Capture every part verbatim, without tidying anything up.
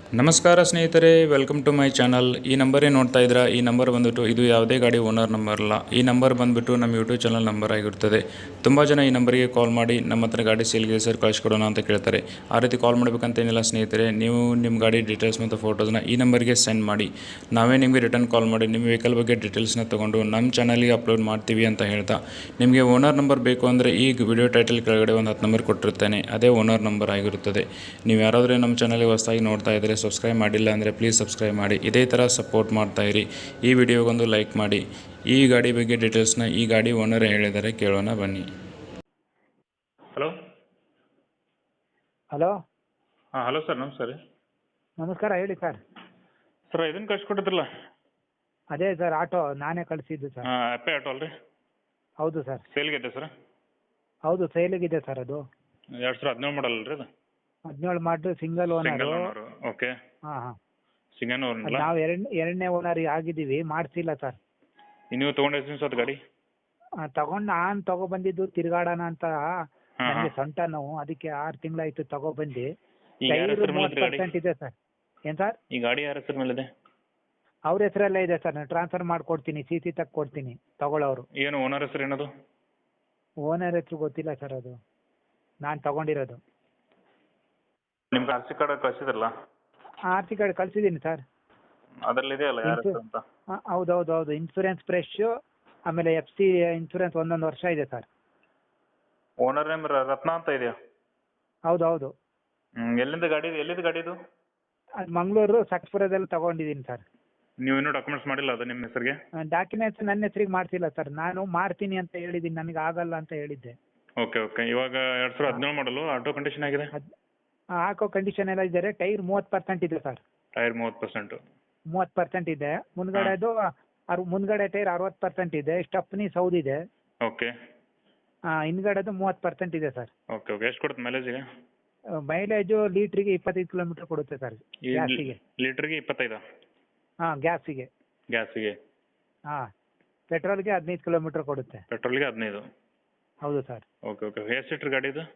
ನಮಸ್ಕಾರ ಸ್ನೇಹಿತರೆ, welcome to my channel. ಈ ನಂಬರೇ ನೋಡ್ತಾ ಇದ್ದೀರಾ. ಈ ನಂಬರ್ ಬಂದುಬಿಟ್ಟು ಇದು ಯಾವುದೇ ಗಾಡಿ ಓನರ್ ನಂಬರ್ ಅಲ್ಲ. ಈ ನಂಬರ್ ಬಂದುಬಿಟ್ಟು ನಮ್ಮ ಯೂಟ್ಯೂಬ್ ಚಾನಲ್ ನಂಬರ್ ಆಗಿರ್ತದೆ. ತುಂಬ ಜನ ಈ ನಂಬರಿಗೆ ಕಾಲ್ ಮಾಡಿ ನಮ್ಮ ಹತ್ರ ಗಾಡಿ ಸೇಲ್ಗೆ ಸರ್ ಕಳಿಸ್ಕೊಡೋಣ ಅಂತ ಕೇಳ್ತಾರೆ. ಆ ರೀತಿ ಕಾಲ್ ಮಾಡಬೇಕಂತೇನಿಲ್ಲ ಸ್ನೇಹಿತರೆ. ನೀವು ನಿಮ್ಮ ಗಾಡಿ ಡೀಟೇಲ್ಸ್ ಮತ್ತು ಫೋಟೋಸ್ನ ಈ ನಂಬರ್ಗೆ ಸೆಂಡ್ ಮಾಡಿ, ನಾವೇ ನಿಮಗೆ ರಿಟರ್ನ್ ಕಾಲ್ ಮಾಡಿ ನಿಮ್ಮ ವೆಹಿಕಲ್ ಬಗ್ಗೆ ಡೀಟೇಲ್ಸ್ನ ತೊಗೊಂಡು ನಮ್ಮ ಚಾನಲ್ಗೆ ಅಪ್ಲೋಡ್ ಮಾಡ್ತೀವಿ ಅಂತ ಹೇಳ್ತಾ, ನಿಮಗೆ ಓನರ್ ನಂಬರ್ ಬೇಕು ಅಂದರೆ ಈ ವಿಡಿಯೋ ಟೈಟಲ್ ಕೆಳಗಡೆ ಒಂದು ಹತ್ತು ನಂಬರ್ ಕೊಟ್ಟಿರ್ತೇನೆ, ಅದೇ ಓನರ್ ನಂಬರ್ ಆಗಿರುತ್ತದೆ. ನೀವು ಯಾರಾದರೂ ನಮ್ಮ ಚಾನಲ್ಗೆ ಹೊಸದಾಗಿ ನೋಡ್ತಾ ಇದ್ದರೆ, ಸಬ್ಸ್ಕ್ರೈಬ್ ಮಾಡಿಲ್ಲ ಅಂದರೆ ಪ್ಲೀಸ್ ಸಬ್ಸ್ಕ್ರೈಬ್ ಮಾಡಿ. ಇದೇ ಥರ ಸಪೋರ್ಟ್ ಮಾಡ್ತಾಯಿರಿ. ಈ ವಿಡಿಯೋಗೊಂದು ಲೈಕ್ ಮಾಡಿ. ಈ ಗಾಡಿ ಬಗ್ಗೆ ಡೀಟೇಲ್ಸ್ನ ಈ ಗಾಡಿ ಓನರ್ ಹೇಳಿದರೆ ಕೇಳೋಣ ಬನ್ನಿ. ಹಲೋ ಹಲೋ ಹಾಂ ಹಲೋ ಸರ್, ನಮಸ್ಕಾರ. ನಮಸ್ಕಾರ, ಹೇಳಿ ಸರ್. ಸರ್ ಇದನ್ನು ಕಳ್ಸಿಕೊಟ್ಟಿದ್ರಲ್ಲ, ಅದೇ ಸರ್, ಆಟೋ ನಾನೇ ಕಳಿಸಿದ್ದು ಸರ್. ಹಾಂ ಅಪ್ಪೆ ಆಟೋ ಅಲ್ರಿ? ಹೌದು ಸರ್. ಸೇಲ್ಗಿದೆ ಸರ್? ಹೌದು, ಸೇಲಿಗಿದೆ ಸರ್. ಅದು ಎರಡು ಸಾವಿರ ಹದಿನೇಳು ಮಾಡಲ್ ಅಲ್ರಿ? ಅದು ಹದಿನೇಳು ಮಾಡ್ರು, single single owner. Owner. Okay, ಹಾಂ ಹಾಂ. Single owner. ನಾವು ಎರಡ್ ಎರಡನೇ ಓನರ್ ಆಗಿದ್ದೀವಿ, ಮಾಡಿಸಿಲ್ಲ ಸರ್. ನೀವು ತೊಗೊಂಡು ಎಷ್ಟು ದಿವಸ ಗಾಡಿ? ತಗೊಂಡು ನಾನು ತಗೊಬಂದಿದ್ದು ತಿರ್ಗಾಡೋಣ ಅಂತ. ಹಾಂ ನನಗೆ ಹಾಂ. ಸೊಂಟ ನೋವು, ಅದಕ್ಕೆ ಆರು ತಿಂಗಳಾಯ್ತು ತಗೊಬಂದು. ಈಗ ಯಾರ ಹೆಸರು ಮೇಲೆ ಮೂವತ್ತು ಐತ್ರಿ ಗಾಡಿ? ಪರ್ಸೆಂಟ್ ಇದೆ ಸರ್. ಏನು ಸರ್? ಈ ಗಾಡಿ ಯಾರ ಹೆಸರು ಮೇಲಿದೆ? ಅವ್ರ ಹೆಸರಲ್ಲೇ ಇದೆ ಸರ್. ನಾನು ಟ್ರಾನ್ಸ್ಫರ್ ಮಾಡಿಕೊಡ್ತೀನಿ, ಸಿ ಸಿ ಕೊಡ್ತೀನಿ ತಗೊಳ್ಳೋರು. ಏನು ಓನರ್ ಹೆಸರು ಏನದು? ಓನರ್ ಹೆಸರು ಗೊತ್ತಿಲ್ಲ ಸರ್, ಅದು ನಾನು ತಗೊಂಡಿರೋದು. ನಿಮ್ಗೆ ಆರ್ ಸಿ ಕಾರ್ಡ್ ಕಳಿಸಿದ್ರಲ್ಲ, ಆರ್ ಸಿ ಕಾರ್ಡ್ ಕಳಿಸಿದ್ದೀನಿ ಸರ್. ಅದರಲ್ಲಿ ಇದೆಯಲ್ಲ ಯಾರ ಇನ್ಸು- ಹೆಸರು ಅಂತ? ಹೌದು ಹೌದು ಹೌದು. ಇನ್ಸೂರೆನ್ಸ್ ಫ್ರೆಶ್, ಆಮೇಲೆ ಎಫ್ ಸಿ ಇನ್ಸೂರೆನ್ಸ್ ಒಂದೊಂದು ವರ್ಷ ಇದೆ ಸರ್. ಓನರ್ ನೇಮ್ ರತ್ನ ಅಂತ ಇದೆಯಾ? ಹೌದು ಹೌದು. ಹ್ಮ್, ಎಲ್ಲಿಂದ ಗಾಡಿ ಇದು? ಎಲ್ಲಿಂದ ಗಾಡಿ ಇದು? ಅದು ಮಂಗಳೂರು ಸಕ್ಸ್ಪುರದಲ್ಲಿ ತಗೊಂಡಿದ್ದೀನಿ ಸರ್. ನೀವು ಇನ್ನೂ ಡಾಕ್ಯುಮೆಂಟ್ಸ್ ಮಾಡಿಲ್ಲ ಅದು ನಿಮ್ಮ ಹೆಸರಿಗೆ? ಡಾಕ್ಯುಮೆಂಟ್ಸ್ ನನ್ನ ಹೆಸರಿಗೆ ಮಾಡ್ತಿಲ್ಲ ಸರ್. ನಾನು ಮಾಡ್ತೀನಿ ಅಂತ ಹೇಳಿದ್ದೀನಿ, ನನಗೆ ಆಗಲ್ಲ ಅಂತ ಹೇಳಿದ್ದೆ. Okay okay. ಇವಾಗ ಎರಡು ಸಾವಿರದ ಹದಿನೇಳು ಮಾಡಲು ಆಟೋ ಕಂಡೀಷನ್ ಆಗಿದೆ? ಅದು ಹಾಕೋ ಕಂಡೀಷನ್ ಎಲ್ಲ ಇದ್ದಾರೆ. ಟೈರ್ ಮೂವತ್ತು ಪರ್ಸೆಂಟ್ ಇದೆ ಸರ್. ಟೈರ್ ಮೂವತ್ತು ಪರ್ಸೆಂಟು. ಮೂವತ್ತು ಪರ್ಸೆಂಟ್ ಇದೆ. ಮುಂದ್ಗಡೆದು ಅರ್ ಮುಂದ್ಗಡೆ ಟೈರ್ ಅರವತ್ತು ಪರ್ಸೆಂಟ್ ಇದೆ. ಸ್ಟಪ್ನಿ ಸೌದಿದೆ. ಓಕೆ ಹಿಂದ್ಗಡೆದು ಮೂವತ್ತು ಪರ್ಸೆಂಟ್ ಇದೆ ಸರ್. Okay okay. ಎಷ್ಟು ಕೊಡುತ್ತೆ ಮೈಲೇಜಿಗೆ? ಮೈಲೇಜು ಲೀಟ್ರಿಗೆ ಇಪ್ಪತ್ತೈದು ಕಿಲೋಮೀಟರ್ ಕೊಡುತ್ತೆ ಸರ್. ಗ್ಯಾಸಿಗೆ. ಲೀಟ್ರಿಗೆ ಇಪ್ಪತ್ತೈದು? ಹಾಂ, ಗ್ಯಾಸಿಗೆ. ಗ್ಯಾಸಿಗೆ? ಹಾಂ, ಪೆಟ್ರೋಲ್ಗೆ ಹದಿನೈದು ಕಿಲೋಮೀಟರ್ ಕೊಡುತ್ತೆ. ಪೆಟ್ರೋಲ್ಗೆ ಹದಿನೈದು? ಹೌದು ಸರ್. Okay okay. ಎಷ್ಟು ಸೀಟ್ರ್ ಗಾಡಿ ಇದು?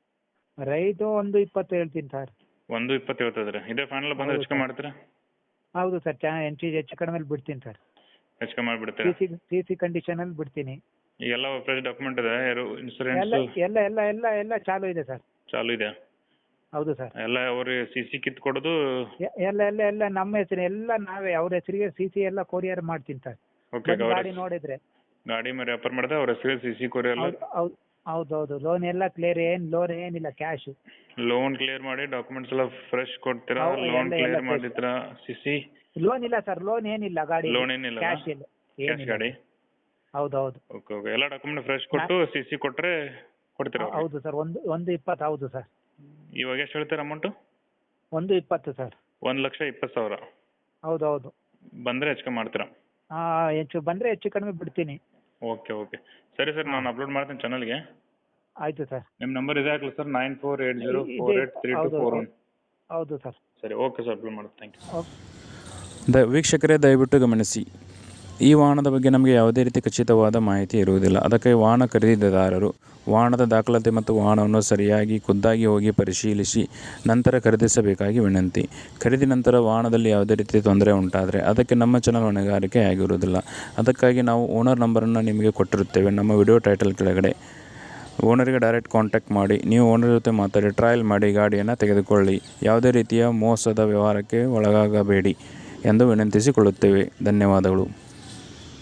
ರೈಟು ಒಂದು ಇಪ್ಪತ್ತು ಹೇಳ್ತೀನಿ ಸರ್. ಒಂದು ಇಪ್ಪತ್ತು ಹೇಳ್ತಿದ್ರೆ ಇದೇ ಫೈನಲ್ ಬಂದರೆ ಹೆಚ್ಚು ಕಮ್ಮಿ ಮಾಡ್ತೀರಾ? ಹೌದು ಸರ್. ಚೆನ್ನಾಗಿ ಎಂಚು ಹೆಚ್ಚು ಕಡಿಮೆ ಬಿಡ್ತೀನಿ ಸರ್. ಹೆಚ್ಚು ಕಮ್ಮಿ ಮಾಡಿಬಿಡ್ತೀರಾ? ಸಿ ಸಿ ಸಿ ಸಿ ಕಂಡೀಷನಲ್ಲಿ ಬಿಡ್ತೀನಿ. ಈಗೆಲ್ಲ ಫ್ರೆಶ್ ಡಾಕ್ಯುಮೆಂಟ್ ಇದೆ, ಎಲ್ಲ ಇನ್ಸೂರೆನ್ಸ್ ಎಲ್ಲ ಎಲ್ಲ ಎಲ್ಲ ಎಲ್ಲ ಚಾಲು ಇದೆ ಸರ್. ಚಾಲು ಇದೆ? ಹೌದು ಸರ್. ಎಲ್ಲ ಅವ್ರಿಗೆ ಸಿ ಸಿ ಕಿತ್ತು ಕೊಡೋದು? ಎ- ಎಲ್ಲ ಎಲ್ಲ ಎಲ್ಲ ನಮ್ಮ ಹೆಸರು ಎಲ್ಲ ನಾವೇ, ಅವ್ರ ಹೆಸರಿಗೆ ಸಿ ಸಿ ಎಲ್ಲ ಕೊರಿಯರ್ ಮಾಡ್ತೀನಿ ಸರ್. ಓಕೆ. ಬಂದು ಗಾಡಿ ನೋಡಿದ್ರೆ. ಗಾಡಿ ಮೇಲೆ ವ್ಯಾಪಾರ ಮಾಡಿದ್ರೆ ಅವ್ರ ಹೆಸರಿಗೆ ಸಿ ಸಿ ಕೊರಿ ಎಲ್ಲ? ಹೌದು ಹೌದು ಹೌದು ಹೌದು. ಲೋನ್ ಎಲ್ಲ ಕ್ಲಿಯರ್, ಏನು ಲೋನ್ ಏನಿಲ್ಲ, ಕ್ಯಾಶು. ಲೋನ್ ಕ್ಲಿಯರ್ ಮಾಡಿ ಡಾಕ್ಯುಮೆಂಟ್ಸ್ ಎಲ್ಲ ಫ್ರೆಶ್ ಕೊಡ್ತೀರಾ? ಹೌದು, ಲೋನ್ ಎಲ್ಲ- ಎಲ್ಲ ಕ್ಲಿಯರ್ fresh. ಮಾಡಿರ್ತೀರಾ? ಸಿ ಸಿ ಲೋನ್ ಇಲ್ಲ ಸರ್, ಲೋನ್ ಏನಿಲ್ಲ ಗಾಡಿ. ಲೋನ್ ಏನಿಲ್ಲ? ಕ್ಯಾಶ್ ಇಲ್ಲ, ಕ್ಯಾಶ್ ಏನಿಲ್ಲ. ಗಾಡಿ? ಹೌದು ಹೌದು ಓಕೆ ಓಕೆ. ಎಲ್ಲ ಡಾಕ್ಯುಮೆಂಟ್ ಫ್ರೆಶ್ ಕೊಟ್ಟು ಸಿ ಸಿ ಕೊಟ್ಟರೆ ಕೊಡ್ತೀರಾ ಅವ್ರಿಗೆ? ಹೌದು ಸರ್. ಒಂದು ಒಂದು ಇಪ್ಪತ್ತು. ಹೌದು ಸರ್. ಇವಾಗ ಎಷ್ಟು ಹೇಳ್ತೀರಾ ಅಮೌಂಟು? ಒಂದು ಇಪ್ಪತ್ತು ಸರ್. ಒಂದು ಲಕ್ಷ ಇಪ್ಪತ್ತು ಸಾವಿರ? ಹೌದು ಹೌದು. ಬಂದರೆ ಹೆಚ್ಚು ಕಮ್ಮಿ ಮಾಡ್ತೀರಾ? ಹಾಂ, ಹೆಚ್ಚು ಬಂದರೆ ಹೆಚ್ಚು ಕಡಿಮೆ ಬಿಡ್ತೀನಿ. Okay okay. ಸರಿ ಸರ್, ನಾನು ಅಪ್ಲೋಡ್ ಮಾಡ್ತೀನಿ ಚಾನಲ್ಗೆ. ಆಯಿತು ಸರ್. ನಿಮ್ಮ ನಂಬರ್ ಇದೆ ಹಾಕಲಿ sir, nine four eight zero ಇದೆ- ಫೋರ್ ಏಟ್ ತ್ರೀ ಟು ಹೌದು, ಫೋರ್ ಒನ್. ಹೌದು ಸರ್. ಸರಿ, ಓಕೆ ಸರ್, ಅಪ್ಲೋಡ್ ಮಾಡೋದು. Thank you. ಓಕೆ. ದ ವೀಕ್ಷಕರೇ, ದಯವಿಟ್ಟು ಗಮನಿಸಿ, ಈ ವಾಹನದ ಬಗ್ಗೆ ನಮಗೆ ಯಾವುದೇ ರೀತಿ ಖಚಿತವಾದ ಮಾಹಿತಿ ಇರುವುದಿಲ್ಲ. ಅದಕ್ಕೆ ವಾಹನ ಖರೀದಿದಾರರು ವಾಹನದ ದಾಖಲಾತಿ ಮತ್ತು ವಾಹನವನ್ನು ಸರಿಯಾಗಿ ಖುದ್ದಾಗಿ ಹೋಗಿ ಪರಿಶೀಲಿಸಿ ನಂತರ ಖರೀದಿಸಬೇಕಾಗಿ ವಿನಂತಿ. ಖರೀದಿ ನಂತರ ವಾಹನದಲ್ಲಿ ಯಾವುದೇ ರೀತಿ ತೊಂದರೆ ಉಂಟಾದರೆ ಅದಕ್ಕೆ ನಮ್ಮ ಚಾನಲ್ ಹೊಣೆಗಾರಿಕೆ ಆಗಿರುವುದಿಲ್ಲ. ಅದಕ್ಕಾಗಿ ನಾವು ಓನರ್ ನಂಬರನ್ನು ನಿಮಗೆ ಕೊಟ್ಟಿರುತ್ತೇವೆ ನಮ್ಮ ವಿಡಿಯೋ ಟೈಟಲ್ ಕೆಳಗಡೆ. ಓನರಿಗೆ ಡೈರೆಕ್ಟ್ ಕಾಂಟ್ಯಾಕ್ಟ್ ಮಾಡಿ, ನೀವು ಓನರ್ ಜೊತೆ ಮಾತಾಡಿ ಟ್ರಯಲ್ ಮಾಡಿ ಗಾಡಿಯನ್ನು ತೆಗೆದುಕೊಳ್ಳಿ. ಯಾವುದೇ ರೀತಿಯ ಮೋಸದ ವ್ಯವಹಾರಕ್ಕೆ ಒಳಗಾಗಬೇಡಿ ಎಂದು ವಿನಂತಿಸಿಕೊಳ್ಳುತ್ತೇವೆ. ಧನ್ಯವಾದಗಳು.